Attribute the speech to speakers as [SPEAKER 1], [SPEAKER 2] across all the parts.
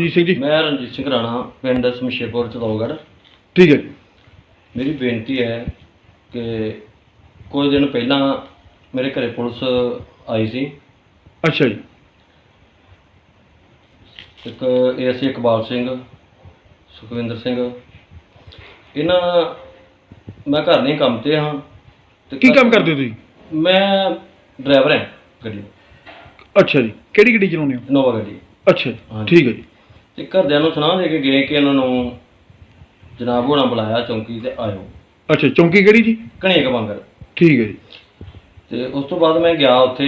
[SPEAKER 1] ਰਣਜੀਤ ਸਿੰਘ ਜੀ?
[SPEAKER 2] मैं रणजीत सिंह राणा, पिंड शमशेरपुर चतौगढ़।
[SPEAKER 1] ठीक है जी।
[SPEAKER 2] मेरी बेनती है कि कुछ दिन पहला मेरे घरे पुलिस आई सी।
[SPEAKER 1] अच्छा जी।
[SPEAKER 2] एक ASI इकबाल सिंह, सुखविंदर सिंह, इन्हां मैं घर नहीं काम ते हाँ।
[SPEAKER 1] की काम करते हो तुसीं?
[SPEAKER 2] मैं ड्राइवर हैं गड्डी।
[SPEAKER 1] अच्छा जी, किहड़ी गड्डी चलाउने हो?
[SPEAKER 2] इनोवा गड्डी।
[SPEAKER 1] अच्छा जी,
[SPEAKER 2] हाँ
[SPEAKER 1] ठीक है जी।
[SPEAKER 2] ਤੇ ਘਰਦਿਆਂ ਨੂੰ ਸੁਣਾ ਦੇ ਕੇ ਗਏ ਕਿ ਇਹਨਾਂ ਨੂੰ ਜਨਾਬ ਹੋਣਾ ਬੁਲਾਇਆ ਚੌਂਕੀ ਤੇ ਆਇਓ।
[SPEAKER 1] अच्छा, चौंकी किहड़ी जी?
[SPEAKER 2] ਘਣੀਕ ਬਾਂਗਰ।
[SPEAKER 1] ठीक है जी।
[SPEAKER 2] ਤੇ ਉਸ ਤੋਂ ਬਾਅਦ ਮੈਂ ਗਿਆ ਉੱਥੇ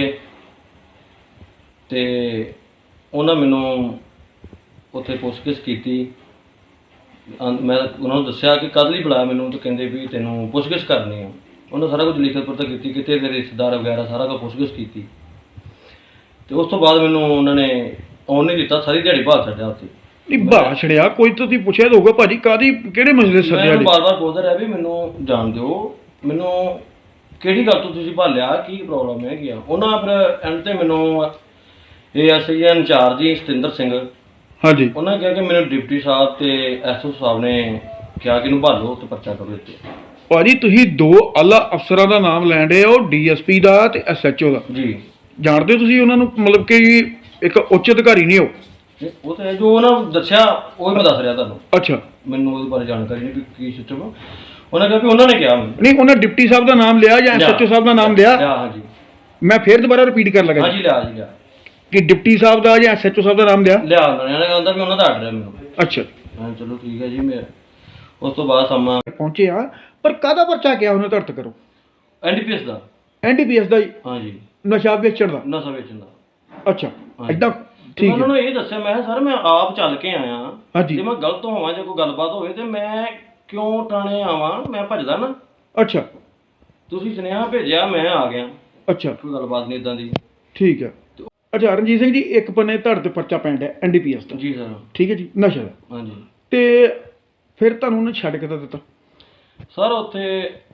[SPEAKER 2] ਤੇ ਉਹਨਾਂ ਮੈਨੂੰ ਉੱਥੇ ਪੁੱਛਗਿੱਛ ਕੀਤੀ। ਮੈਂ ਉਹਨਾਂ ਨੂੰ ਦੱਸਿਆ ਕਿ ਕਦ ਲਈ ਬੁਲਾਇਆ ਮੈਨੂੰ, ਤੇ ਕਹਿੰਦੇ ਵੀ ਤੈਨੂੰ ਪੁੱਛਗਿੱਛ ਕਰਨੀ ਆ। ਉਹਨਾਂ ਸਾਰਾ ਕੁਝ ਲਿਖਤ ਪੜ੍ਹਤ ਕੀਤੀ, ਕਿਤੇ ਤੇਰੇ ਰਿਸ਼ਤੇਦਾਰ ਵਗੈਰਾ ਸਾਰਾ ਕੁਝ ਪੁੱਛਗਿੱਛ ਕੀਤੀ। ਤੇ ਉਸ ਤੋਂ ਬਾਅਦ ਮੈਨੂੰ ਉਹਨਾਂ ਨੇ ਆਉਣ ਨਹੀਂ ਦਿੱਤਾ, ਸਾਰੀ ਦਿਹਾੜੀ ਬਾਹਰ ਛੱਡਿਆ ਉੱਥੇ।
[SPEAKER 1] ਨਹੀਂ ਬਾਹਰ ਛੜਿਆ ਕੋਈ ਤਾਂ ਤੁਸੀਂ ਪੁੱਛਿਆ ਤਾਂ ਹੋਊਗਾ ਭਾਜੀ ਕਾਦੀ ਕਿਹੜੇ ਮਸਲੇ ਸੱਦਿਆ
[SPEAKER 2] ਮੈਂ
[SPEAKER 1] ਜੀ?
[SPEAKER 2] ਬਾਰ-ਬਾਰ ਬੋਲਦਾ ਰਿਹਾ ਵੀ ਮੈਨੂੰ ਜਾਣ ਦਿਓ, ਮੈਨੂੰ ਕਿਹੜੀ ਗੱਲ ਤੋਂ ਤੁਸੀਂ ਭਾਲਿਆ, ਕੀ ਪ੍ਰੋਬਲਮ ਹੈਗੀ ਆ। ਉਹਨਾਂ ਫਿਰ ਐਂਡ ਤੇ ਮੈਨੂੰ ASI ਇੰਚਾਰਜ ਜੀ ਸਤਿੰਦਰ ਸਿੰਘ,
[SPEAKER 1] ਹਾਂਜੀ,
[SPEAKER 2] ਉਹਨਾਂ ਨੇ ਕਿਹਾ ਕਿ ਮੈਨੂੰ ਡਿਪਟੀ ਸਾਹਿਬ ਤੇ SO ਸਾਹਿਬ ਨੇ ਕਿਹਾ ਕਿ ਇਹਨੂੰ ਭਾਲੋ ਤੇ ਪਰਚਾ ਕਰੋ ਇੱਥੇ।
[SPEAKER 1] ਭਾਜੀ ਤੁਸੀਂ ਦੋ ਆਲਾ ਅਫਸਰਾਂ ਦਾ ਨਾਮ ਲੈਣ ਰਹੇ ਹੋ, DSP ਦਾ ਤੇ SHO ਦਾ।
[SPEAKER 2] ਜੀ
[SPEAKER 1] ਜਾਣਦੇ ਹੋ ਤੁਸੀਂ ਉਹਨਾਂ ਨੂੰ, ਮਤਲਬ ਕਿ ਇੱਕ ਉੱਚ ਅਧਿਕਾਰੀ ਨਹੀਂ ਹੋ?
[SPEAKER 2] ਉਹ ਤਾਂ ਜੋ ਉਹਨਾਂ ਨੂੰ ਦੱਸਿਆ ਉਹ ਹੀ ਮੈਂ ਦੱਸ ਰਿਹਾ ਤੁਹਾਨੂੰ।
[SPEAKER 1] ਅੱਛਾ,
[SPEAKER 2] ਮੈਨੂੰ ਉਹਦੇ ਬਾਰੇ ਜਾਣਕਾਰੀ ਨਹੀਂ ਵੀ ਕੀ ਸਿਸਟਮ ਆ। ਉਹਨਾਂ ਕਿਹਾ ਵੀ ਉਹਨਾਂ ਨੇ ਕਿਹਾ ਮੈਨੂੰ।
[SPEAKER 1] ਨਹੀਂ ਉਹਨਾਂ ਡਿਪਟੀ ਸਾਹਿਬ ਦਾ ਨਾਮ ਲਿਆ ਜਾਂ SHO ਸਾਹਿਬ ਦਾ ਨਾਮ ਲਿਆ?
[SPEAKER 2] ਹਾਂਜੀ,
[SPEAKER 1] ਮੈਂ ਫੇਰ ਦੁਬਾਰਾ ਰਿਪੀਟ ਕਰਨ ਲੱਗਾ
[SPEAKER 2] ਹਾਂਜੀ ਲਿਆ ਜੀ ਲਿਆ
[SPEAKER 1] ਕਿ ਡਿਪਟੀ ਸਾਹਿਬ ਦਾ ਜਾਂ SHO ਸਾਹਿਬ ਦਾ ਨਾਮ ਲਿਆ?
[SPEAKER 2] ਲਿਆ। ਉਹਨਾਂ ਨੇ ਕਹਿੰਦਾ ਵੀ ਉਹਨਾਂ ਦਾ ਆਰਡਰ ਹੈ ਮੈਨੂੰ।
[SPEAKER 1] ਅੱਛਾ,
[SPEAKER 2] ਹਾਂ ਚਲੋ ਠੀਕ ਹੈ ਜੀ। ਮੈਂ ਉਸ ਤੋਂ ਬਾਅਦ ਸਮਾਂ
[SPEAKER 1] ਪਹੁੰਚੇ ਆ, ਪਰ ਕਾਹਦਾ ਪਰਚਾ ਕਿਹਾ ਉਹਨੇ ਧਰਤ ਕਰੋ?
[SPEAKER 2] NDPS ਦਾ।
[SPEAKER 1] NDPS ਦਾ ਜੀ?
[SPEAKER 2] ਹਾਂਜੀ,
[SPEAKER 1] ਨਸ਼ਾ ਵੇਚਣ ਦਾ?
[SPEAKER 2] ਨਸ਼ਾ ਵੇਚਣ ਦਾ।
[SPEAKER 1] ਅੱਛਾ,
[SPEAKER 2] ਹਾਂਜੀ।
[SPEAKER 1] ਏਦਾਂ
[SPEAKER 2] ਤੇ
[SPEAKER 1] ਠੀਕ
[SPEAKER 2] ਮੈਂ ਉਹਨਾਂ
[SPEAKER 1] ਹੈ।
[SPEAKER 2] ਨੂੰ ਇਹ ਦੱਸਿਆ, ਮੈਂ ਕਿਹਾ ਸਰ ਮੈਂ ਆਪ ਚੱਲ ਕੇ ਆਇਆ,
[SPEAKER 1] ਹਾਂਜੀ।
[SPEAKER 2] ਜੇ ਮੈਂ ਗਲਤ ਹੋਵਾਂ ਜਾਂ ਕੋਈ ਗੱਲਬਾਤ ਹੋਵੇ ਤੇ ਮੈਂ ਕਿਉਂ ਥਾਣੇ ਆਵਾਂ, ਮੈਂ ਭੱਜਦਾ ਨਾ।
[SPEAKER 1] ਅੱਛਾ
[SPEAKER 2] ਤੁਸੀਂ ਸੁਨੇਹਾ ਭੇਜਿਆ, ਮੈਂ ਆ ਗਿਆ,
[SPEAKER 1] ਅੱਛਾ,
[SPEAKER 2] ਕੋਈ ਗੱਲਬਾਤ ਨਹੀਂ ਇਦਾਂ ਦੀ।
[SPEAKER 1] ਠੀਕ ਹੈ। ਅੱਛਾ ਰਣਜੀਤ ਸਿੰਘ ਜੀ, ਇੱਕ ਬੰਨੇ ਧੜ ਤੇ ਪਰਚਾ ਪੈਣ ਡਿਆ NDPS ਦਾ,
[SPEAKER 2] ਜੀ ਸਰ।
[SPEAKER 1] ਠੀਕ ਹੈ ਜੀ, ਨਸ਼ਾ ਦਾ।
[SPEAKER 2] ਹਾਂਜੀ
[SPEAKER 1] ਤੇ ਫਿਰ ਤੁਹਾਨੂੰ ਉਹਨੇ ਛੱਡ ਕੇ ਤਾਂ ਦਿੱਤਾ?
[SPEAKER 2] ਸਰ ਉੱਥੇ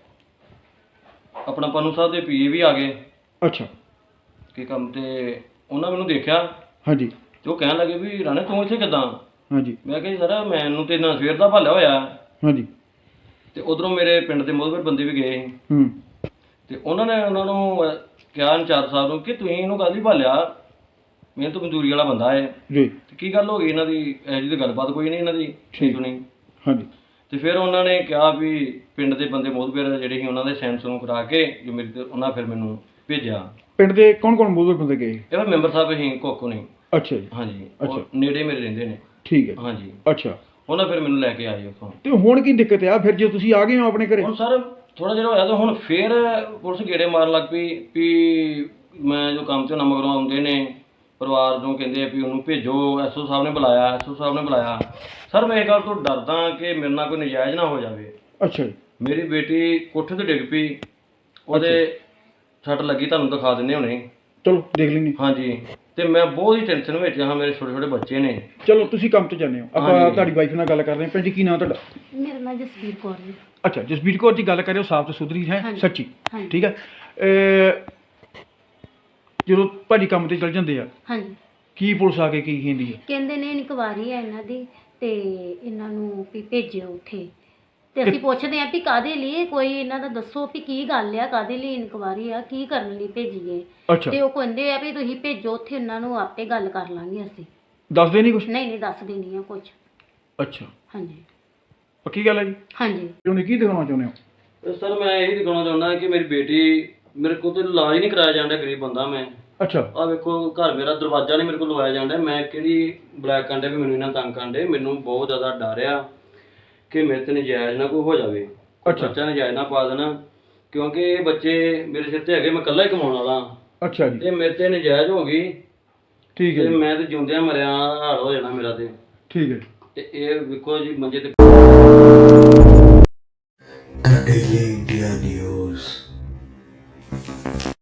[SPEAKER 2] ਆਪਣਾ ਪੰਨੂ ਸਾਹਿਬ ਦੇ PA ਵੀ ਆ ਗਏ
[SPEAKER 1] ਅੱਛਾ,
[SPEAKER 2] ਕਿ ਕੰਮ ਤੇ ਉਹਨਾਂ ਮੈਨੂੰ ਦੇਖਿਆ
[SPEAKER 1] ਹਾਂਜੀ
[SPEAKER 2] ਤੇ ਉਹ ਕਹਿਣ ਲੱਗੇ ਵੀ ਰਾਣੇ ਤੂੰ ਇੱਥੇ ਕਿੱਦਾਂ?
[SPEAKER 1] ਹਾਂਜੀ
[SPEAKER 2] ਮੈਂ ਕਿਹਾ ਜੀ ਸਰ ਮੈਨੂੰ ਤੇ ਨਾ ਸਵੇਰ ਦਾ ਭਾਲਿਆ ਹੋਇਆ।
[SPEAKER 1] ਹਾਂਜੀ।
[SPEAKER 2] ਤੇ ਉਧਰੋਂ ਮੇਰੇ ਪਿੰਡ ਦੇ ਮੋਹਬਰ ਬੰਦੇ ਵੀ ਗਏ
[SPEAKER 1] ਹੂੰ।
[SPEAKER 2] ਤੇ ਉਹਨਾਂ ਨੇ ਉਹਨਾਂ ਨੂੰ ਕਿਹਾ ਇੰਚਾਰਜ ਸਾਹਿਬ ਨੂੰ ਕਿ ਤੁਸੀਂ ਇਹਨੂੰ ਕਾਹਦੀ ਭਾਲਿਆ, ਮਿਹਨਤ ਮਜ਼ਦੂਰੀ ਵਾਲਾ ਬੰਦਾ ਹੈ।
[SPEAKER 1] ਜੀ।
[SPEAKER 2] ਤੇ ਕੀ ਗੱਲ ਹੋ ਗਈ ਇਹਨਾਂ ਦੀ? ਇਹੋ ਜਿਹੀ ਤਾਂ ਗੱਲਬਾਤ ਕੋਈ ਨਹੀਂ ਇਹਨਾਂ ਦੀ ਸੁਣੀ।
[SPEAKER 1] ਹਾਂਜੀ।
[SPEAKER 2] ਤੇ ਫਿਰ ਉਹਨਾਂ ਨੇ ਕਿਹਾ ਵੀ ਪਿੰਡ ਦੇ ਬੰਦੇ ਮੋਹਬਰ ਜਿਹੜੇ ਸੀ ਉਹਨਾਂ ਦੇ ਸਾਈਨ ਸੂਨ ਕਰਾ ਕੇ ਜੋ ਮੇਰੇ ਤੇ ਉਹਨਾਂ ਫਿਰ ਮੈਨੂੰ ਭੇਜਿਆ।
[SPEAKER 1] ਪਿੰਡ ਦੇ ਕੌਣ ਕੌਣ ਮੋਹਬਰ ਬੰਦੇ ਗਏ?
[SPEAKER 2] ਇਹ ਫਿਰ ਮੈਂਬਰ ਸਾਹਿਬ ਸੀ ਕੋਕੋ ਨੇ।
[SPEAKER 1] ਅੱਛਾ ਜੀ।
[SPEAKER 2] ਹਾਂਜੀ,
[SPEAKER 1] ਅੱਛਾ।
[SPEAKER 2] ਉਹ ਨੇੜੇ ਮੇਰੇ ਰਹਿੰਦੇ ਨੇ।
[SPEAKER 1] ਠੀਕ ਹੈ।
[SPEAKER 2] ਹਾਂਜੀ।
[SPEAKER 1] ਅੱਛਾ,
[SPEAKER 2] ਉਹਨਾਂ ਫਿਰ ਮੈਨੂੰ ਲੈ ਕੇ ਆਏ ਉੱਥੋਂ।
[SPEAKER 1] ਤੇ ਹੁਣ ਕੀ ਦਿੱਕਤ ਆ ਫਿਰ ਜੇ ਤੁਸੀਂ ਆ ਗਏ ਹੋ ਆਪਣੇ ਘਰੇ?
[SPEAKER 2] ਹੁਣ ਸਰ ਥੋੜਾ ਜਿਹਾ ਹੋਇਆ ਤਾਂ ਹੁਣ ਫਿਰ ਪੁਲਿਸ ਗੇੜੇ ਮਾਰਨ ਲੱਗ ਪਈ ਵੀ ਮੈਂ ਜੋ ਕੰਮ ਤੇ ਨਾ ਮਗਰੋਂ ਆਉਂਦੇ ਨੇ ਪਰਿਵਾਰ ਨੂੰ ਕਹਿੰਦੇ ਵੀ ਉਹਨੂੰ ਭੇਜੋ, SO ਸਾਹਿਬ ਨੇ ਬੁਲਾਇਆ, SO ਸਾਹਿਬ ਨੇ ਬੁਲਾਇਆ। ਸਰ ਮੈਂ ਇਹ ਗੱਲ ਤੋਂ ਡਰਦਾ ਕਿ ਮੇਰੇ ਨਾਲ ਕੋਈ ਨਜਾਇਜ਼ ਨਾ ਹੋ ਜਾਵੇ।
[SPEAKER 1] ਅੱਛਾ ਜੀ।
[SPEAKER 2] ਮੇਰੀ ਬੇਟੀ ਕੋਠੇ ਤੇ ਡਿੱਗ ਪਈ, ਉਹਦੇ ਸੱਟ ਲੱਗੀ, ਤੁਹਾਨੂੰ ਦਿਖਾ ਦਿੰਦੇ ਹੁਣੇ।
[SPEAKER 1] ਚਲੋ ਦੇਖ ਲੈਂਦੇ।
[SPEAKER 2] ਹਾਂਜੀ। ਤੇ ਮੈਂ ਬਹੁਤ ਹੀ ਟੈਨਸ਼ਨ ਵਿੱਚ ਹਾਂ, ਮੇਰੇ ਛੋਟੇ ਛੋਟੇ ਬੱਚੇ ਨੇ।
[SPEAKER 1] ਚਲੋ ਤੁਸੀਂ ਕੰਮ ਤੇ ਜਾਂਦੇ ਹੋ, ਆਪਾਂ
[SPEAKER 2] ਹਾਂਜੀ।
[SPEAKER 1] ਤੁਹਾਡੀ ਵਾਈਫ ਨਾਲ ਗੱਲ ਕਰਦੇ ਹਾਂ। ਭੈਣ ਜੀ ਕੀ ਨਾਮ ਤੁਹਾਡਾ?
[SPEAKER 3] ਮੇਰਾ ਨਾਮ ਜਸਵੀਰ ਕੌਰ ਜੀ।
[SPEAKER 1] ਅੱਛਾ ਜਸਬੀਰ ਕੌਰ ਜੀ, ਗੱਲ ਕਰਿਓ ਸਾਫ਼ ਤੇ ਸੁਥਰੀ ਹੈ,
[SPEAKER 3] ਹਾਂਜੀ।
[SPEAKER 1] ਸੱਚੀ,
[SPEAKER 3] ਹਾਂਜੀ।
[SPEAKER 1] ਠੀਕ ਹੈ। ਜਦੋਂ ਭਾਜੀ ਕੰਮ ਤੇ ਚਲ ਜਾਂਦੇ ਆ,
[SPEAKER 3] ਹਾਂਜੀ,
[SPEAKER 1] ਕੀ ਪੁਲਿਸ ਆ ਕੇ ਕੀ ਕਹਿੰਦੀ ਹੈ?
[SPEAKER 3] ਕਹਿੰਦੇ ਨੇ ਇਨਕੁਆਰੀ ਹੈ ਇਹਨਾਂ ਦੀ ਤੇ ਇਹਨਾਂ ਨੂੰ ਵੀ ਭੇਜਿਓ ਉੱਥੇ। ਤੇ ਅਸੀਂ ਪੁੱਛਦੇ ਆਂ ਵੀ ਕਾਹਦੇ ਲਈ, ਕੋਈ ਇਹਨਾਂ ਦਾ ਦੱਸੋ ਵੀ ਕੀ ਗੱਲ ਆ, ਕਾਹਦੇ ਲਈ ਇਨਕੁਆਰੀ ਆ, ਕੀ ਕਰਨ ਲਈ ਭੇਜੀਏ।
[SPEAKER 1] ਅੱਛਾ,
[SPEAKER 3] ਤੇ ਉਹ ਕਹਿੰਦੇ ਆ ਵੀ ਤੁਸੀਂ ਭੇਜੋ ਉੱਥੇ, ਉਹਨਾਂ ਨੂੰ ਆਪੇ ਗੱਲ ਕਰ ਲਾਂਗੇ ਅਸੀਂ।
[SPEAKER 1] ਦੱਸਦੇ ਨਹੀਂ ਕੁਛ?
[SPEAKER 3] ਨਹੀਂ ਦੱਸਦੇ ਨਹੀਂ ਆ ਕੁਝ।
[SPEAKER 1] ਅੱਛਾ,
[SPEAKER 3] ਹਾਂਜੀ
[SPEAKER 1] ਪੱਕੀ ਗੱਲ ਹੈ ਜੀ?
[SPEAKER 3] ਹਾਂਜੀ।
[SPEAKER 1] ਉਹਨੇ ਕੀ ਦਿਖਾਉਣਾ ਚਾਹੁੰਦੇ ਹੋ?
[SPEAKER 2] ਸਰ ਮੈਂ ਇਹ ਦਿਖਾਉਣਾ ਚਾਹੁੰਦਾ ਕਿ ਮੇਰੀ ਬੇਟੀ, ਮੇਰੇ ਕੋਲ ਤਾਂ ਇਲਾਜ ਹੀ ਨਹੀਂ ਕਰਾਇਆ ਜਾਂਦਾ, ਗਰੀਬ ਬੰਦਾ ਮੈਂ।
[SPEAKER 1] ਅੱਛਾ,
[SPEAKER 2] ਆ ਵੇਖੋ ਘਰ ਮੇਰਾ ਦਰਵਾਜ਼ਾ ਨਹੀਂ ਮੇਰੇ ਕੋਲ ਲਵਾਇਆ ਜਾਂਦਾ। ਮੈਂ ਕਿਹੜੀ ਬਲੈਕ ਕਾਂਡੇ ਵੀ ਮੈਨੂੰ ਇਹਨਾਂ ਤੰਗ ਕਾਂਡੇ। ਮੈਨੂੰ ਬਹੁਤ ਜ਼ਿਆਦਾ ਡਰ ਆ ਕਿ ਮੇਰੇ ਤੇ ਨਜਾਇਜ਼ ਨਾ ਕੋਈ ਹੋ ਜਾਵੇ।
[SPEAKER 1] ਅੱਛਾ।
[SPEAKER 2] ਬੱਚਾ ਨਜਾਇਜ਼ ਨਾ ਪਾ ਦੇਣਾ, ਕਿਉਂਕਿ ਇਹ ਬੱਚੇ ਮੇਰੇ ਸਿਰ ਤੇ ਹੈਗੇ, ਮੈਂ ਇਕੱਲਾ ਹੀ ਕਮਾਉਣ ਵਾਲਾ।
[SPEAKER 1] ਅੱਛਾ ਜੀ,
[SPEAKER 2] ਇਹ ਮੇਰੇ ਤੇ ਨਜਾਇਜ਼ ਹੋ ਗਈ
[SPEAKER 1] ਠੀਕ ਹੈ
[SPEAKER 2] ਤੇ
[SPEAKER 1] ਜੀ,
[SPEAKER 2] ਮੈਂ ਤੇ ਜਿਉਂਦਿਆਂ ਮਰਿਆ ਹਾਲ ਹੋ ਜਾਣਾ ਮੇਰਾ ਤੇ।
[SPEAKER 1] ਠੀਕ ਹੈ।
[SPEAKER 2] ਤੇ ਇਹ ਵੇਖੋ ਜੀ ਮੰਜੇ ਤੇ
[SPEAKER 4] The Daily India News.